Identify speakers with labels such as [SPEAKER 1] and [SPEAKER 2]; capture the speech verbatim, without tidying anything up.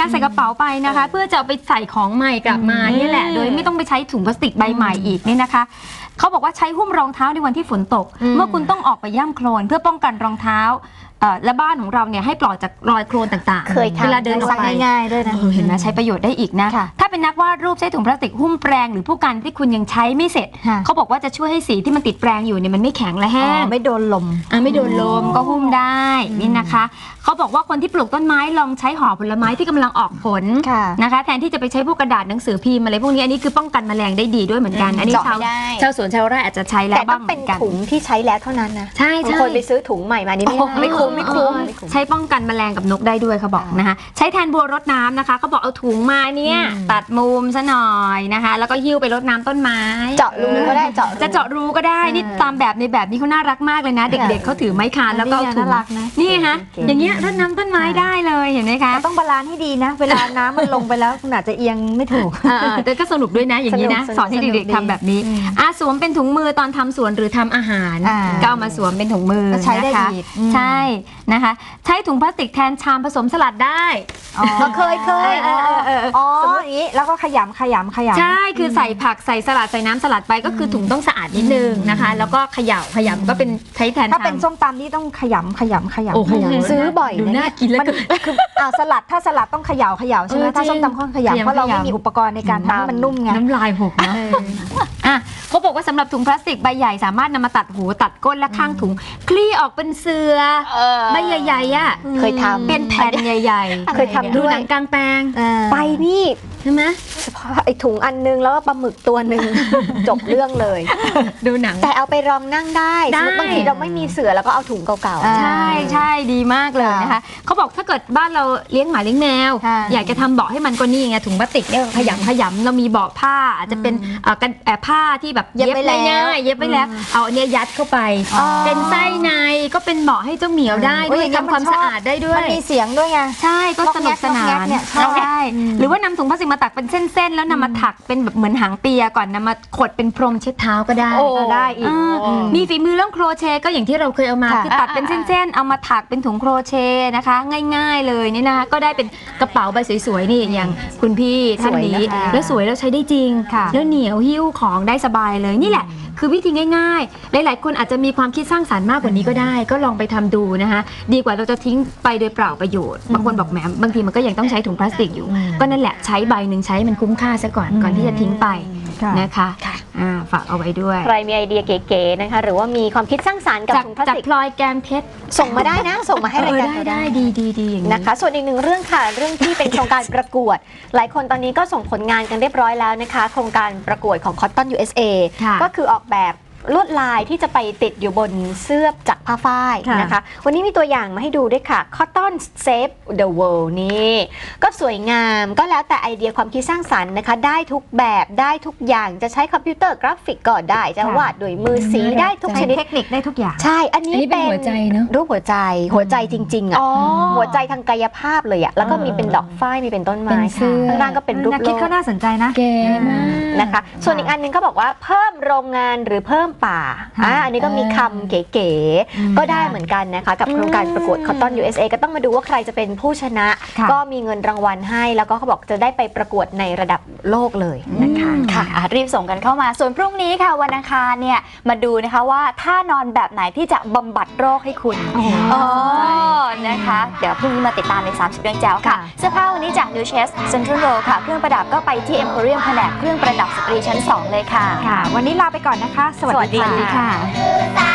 [SPEAKER 1] ใส่กระเป๋าไปนะคะเพื่อจะเอาไปใส่ของใหม่กลับมานี่แหละโดยไม่ต้องไปใช้ถุงพลาสติกใบใหม่อีกนี่นะคะเขาบอกว่าใช้หุ้มรองเท้าในวันที่ฝนตกเมื่อคุณต้องออกไปย่ำโคลนเพื่อป้องกันรองเท้าและบ้านของเราเนี่ยให้ปลอดจากรอยโคลนต่างๆ
[SPEAKER 2] เคยทำ
[SPEAKER 1] เวลาเดินออกไป
[SPEAKER 2] ง่ายๆด้วยนะ
[SPEAKER 1] เห็นไหมใช้ประโยชน์ได้อีกนะถ้าเป็นนักวาดรูปใช้ถุงพลาสติกหุ้มแปรงหรือผู้กันที่คุณยังใช้ไม่เสร็จเขาบอกว่าจะช่วยให้สีที่มันติดแปรงอยู่เนี่ยมันไม่แข็งและแห้ง
[SPEAKER 2] ไม่โดนลม
[SPEAKER 1] อ่าไม่โดนลมก็หุ้มได้นี่นะคะเขาบอกว่าคนที่ปลูกต้นไม้ลองใช้ห่อผลไม้ที่กำลังออกผลนะคะแทนที่จะไปใช้พวกกระดาษหนังสือพิมพ์อะไรพวกนี้อันนี้คือป้องกันแมลงได้ดีด้วยเหมือนกันอันนี้ชาวชาวสวนชาวไร่อาจจะใช้แล้วบ้างเหมือนกัน
[SPEAKER 2] แต่ต้องเป็นถุงที่ใช้แล้วเท่านั้นนะ
[SPEAKER 1] ใช่ใช่
[SPEAKER 2] คนไปซื้อถุงใหม่มานี่ไม่คุ้มไม่คุ้ม
[SPEAKER 1] ใช้ป้องกันแมลงกับนกได้ด้วยเขาบอกนะคะใช้แทนบัวรดน้ำนะคะเขาบอกเอาถุงมาเนี่ยตัดมุมซะหน่อยนะคะแล้วก็หิ้วไปรดน้ำต้นไม้
[SPEAKER 2] เจาะรูก็ได้เจาะ
[SPEAKER 1] จะเจาะรูก็ได้นี่ตามแบบในแบบนี้เขาน่ารักมากเลยนะเด็กๆเขาถือไม้คานแล้วก็เอาถุงนี่ฮะอย่างเงี้ยรดน้ำต้นไม้ได้เลยเห็นไหมคะ
[SPEAKER 2] ต้องบาลานซ์ให้ดีนะเวลาน้ำมันลงไปแล้วคุณอาจจะเอียงไม่ถูก
[SPEAKER 1] แต่ก็สนุกด้วยนะอย่างนี้นะสอนให้เด็กๆทำแบบนี้อาสวมเป็นถุงมือตอนทำสวนหรือทำอาหารก็เอามาสวมเป็นถุงมือ
[SPEAKER 2] ใช้ได้
[SPEAKER 1] ดีใช่นะคะใช้ถุงพลาสติกแทนชามผสมสลัดได้
[SPEAKER 2] ก็เคยเคยอ๋ออย่างนี้แล้วก็ขยำขยำขยำ
[SPEAKER 1] ใช่คือใส่ผักใส่สลัดใส่น้ำสลัดไปก็คือถุงต้องสะอาดนิดนึงนะคะแล้วก็เขย่าขยำก็เป็นใช้แทน
[SPEAKER 2] ถ้าเป็นส้มตำนี่ต้องขยำขยำขยำซื้อบ่อย
[SPEAKER 1] ดูน่ากินแล้ว
[SPEAKER 2] คืออ่าสลัดถ้าสลัดต้องเขย่าเขย่าใช่ไหมถ้าส้มตำต้องเขย่าเพราะเราไม่มีอุปกรณ์ในการทำให้มันนุ่มไง
[SPEAKER 1] น้ำลายหกเนาะอ่ะเขาบอกว่าสำหรับถุงพลาสติกใบใหญ่สามารถนำมาตัดหูตัดก้นและข้างถุงคลี่ออกเป็นเสือใบใหญ่ๆอ่ะ
[SPEAKER 2] เคยทำ
[SPEAKER 1] เป็นแผ่นใหญ่
[SPEAKER 2] ๆเคยทำด้วย
[SPEAKER 1] หนังกลางแปลง
[SPEAKER 2] ไปนี่
[SPEAKER 1] ใช่ไหม
[SPEAKER 2] เฉพาะไอ้ถุงอันนึงแล้วก็ปลาหมึกตัวหนึ่งจบเรื่องเลย
[SPEAKER 1] ดูหนัง
[SPEAKER 2] แต่เอาไปรองนั่งได้บางทีเราไม่มีเสือแล้วก็เอาถุงเก่า
[SPEAKER 1] ๆใช่ใช่ดีมากเลยนะคะเขาบอกถ้าเกิดบ้านเราเลี้ยงหมาเลี้ยงแมวอยากจะทำเบาะให้มันก็นี่ไงถุงพลาสติกเนี่ยขยำขยำเรามีเบาะผ้าอาจจะเป็นกันผ้าที่แบบเย็บไปง่ายเย็บไปแล้วเอาอันนี้ยัดเข้าไปเป็นไส้ในก็เป็นเบาะให้เจ้าเหมียวได้ด้วยทำความสะอาดได้ด้วย
[SPEAKER 2] มันมีเสียงด้วยไง
[SPEAKER 1] ใช่ก็สนุกสนานใช่หรือว่านำถุงพลาสติกมาตักเป็นเส้นๆแล้วนำมาถักเป็นแบบเหมือนหางเปียก่อนนำมาขดเป็นพรมเช็ดเท้าก็ได้
[SPEAKER 2] ก็ได้อีก
[SPEAKER 1] มีฝีมือเรื่องโครเชต์ก็อย่างที่เราเคยเอามาคือตัดเป็นเส้นๆเอามาถักเป็นถุงโครเชต์นะคะง่ายๆเลยนี่นะคะก็ได้เป็นกระเป๋าใบสวยๆนี่อย่างคุณพี่ท่านนี้แล้วสวยแล้วใช้ได้จริงแล้วเหนียวหิ้วของได้สบายเลยนี่แหละคือวิธีง่ายๆหลายๆคนอาจจะมีความคิดสร้างสรรค์มากกว่านี้ก็ได้ก็ลองไปทำดูนะคะดีกว่าเราจะทิ้งไปโดยเปล่าประโยชน์บางคนบอกแหมบางทีมันก็ยังต้องใช้ถุงพลาสติกอยู่ก็นั่นแหละใช้ใบหนึ่งใช้มันคุ้มค่าซะก่อนก่อนที่จะทิ้งไปนะคะฝากเอาไว้ด้วย
[SPEAKER 2] ใครมีไอเดียเก๋ๆนะคะหรือว่ามีความคิดสร้างสรรค์กับถุงพลาสติก
[SPEAKER 1] จากพลอยแกมเพชร
[SPEAKER 2] ส่งมาได้นะส่งมาให้รายการ
[SPEAKER 1] ได้ดีดีดีอย่างนี้
[SPEAKER 2] นะคะส่วนอีกหนึ่งเรื่องค่ะเรื่องที่เป็นโครงการประกวดหลายคนตอนนี้ก็ส่งผลงานกันเรียบร้อยแล้วนะคะโครงการประกวดของ Cotton ยู เอส เอ ก็คือออกแบบลวดลายที่จะไปติดอยู่บนเสื้อจากผ้าฝ้ายนะคะวันนี้มีตัวอย่างมาให้ดูด้วยค่ะ Cotton Save the World นี่ก็สวยงามก็แล้วแต่ไอเดียความคิดสร้างสรรค์นะคะได้ทุกแบบได้ทุกอย่างจะใช้คอมพิวเตอร์กราฟิกก็ได้จะวาดด้วยมือสีได้ทุกชนิด
[SPEAKER 1] เทคนิคได้ทุกอย่าง
[SPEAKER 2] ใช่อันนี้เป็น
[SPEAKER 1] หัวใจเนอะ
[SPEAKER 2] รูปหัวใจหัวใจจริงๆอ่ะหัวใจทางกายภาพเลยอ่ะแล้วก็มีเป็นดอกฝ้ายมีเป็นต้นไม้ข้างล่างก็เป็นรูปโลก
[SPEAKER 1] คิดก็น่าสนใจนะเก๋มาก
[SPEAKER 2] นะคะส่วนอีกอันนึงเขาบอกว่าเพิ่มโรงงานหรือเพิ่มป่าอ่าอันนี้ก็มีคำเก๋ๆก็ได้เหมือนกันนะคะกับโครงการประกวด Cotton ยู เอส เอ ก็ต้องมาดูว่าใครจะเป็นผู้ชนะก็มีเงินรางวัลให้แล้วก็เขาบอกจะได้ไปประกวดในระดับโลกเลยนะคะ
[SPEAKER 3] ค่ะรีบส่งกันเข้ามาส่วนพรุ่งนี้ค่ะวันอังคารเนี่ยมาดูนะคะว่าท่านอนแบบไหนที่จะบำบัดโรคให้คุณอ๋อนะคะเดี๋ยวพรุ่งนี้มาติดตามในสามสิบเรื่องแจ๋วค่ะเสื้อผ้าวันนี้จาก New Chest Central Road ค่ะเครื่องประดับก็ไปที่ Emporium แผนกเครื่องประดับสตรีชั้นสองเลยค่ะ
[SPEAKER 1] ค่ะวันนี้ลาไปก่อนนะคะสวัสดีค่ะ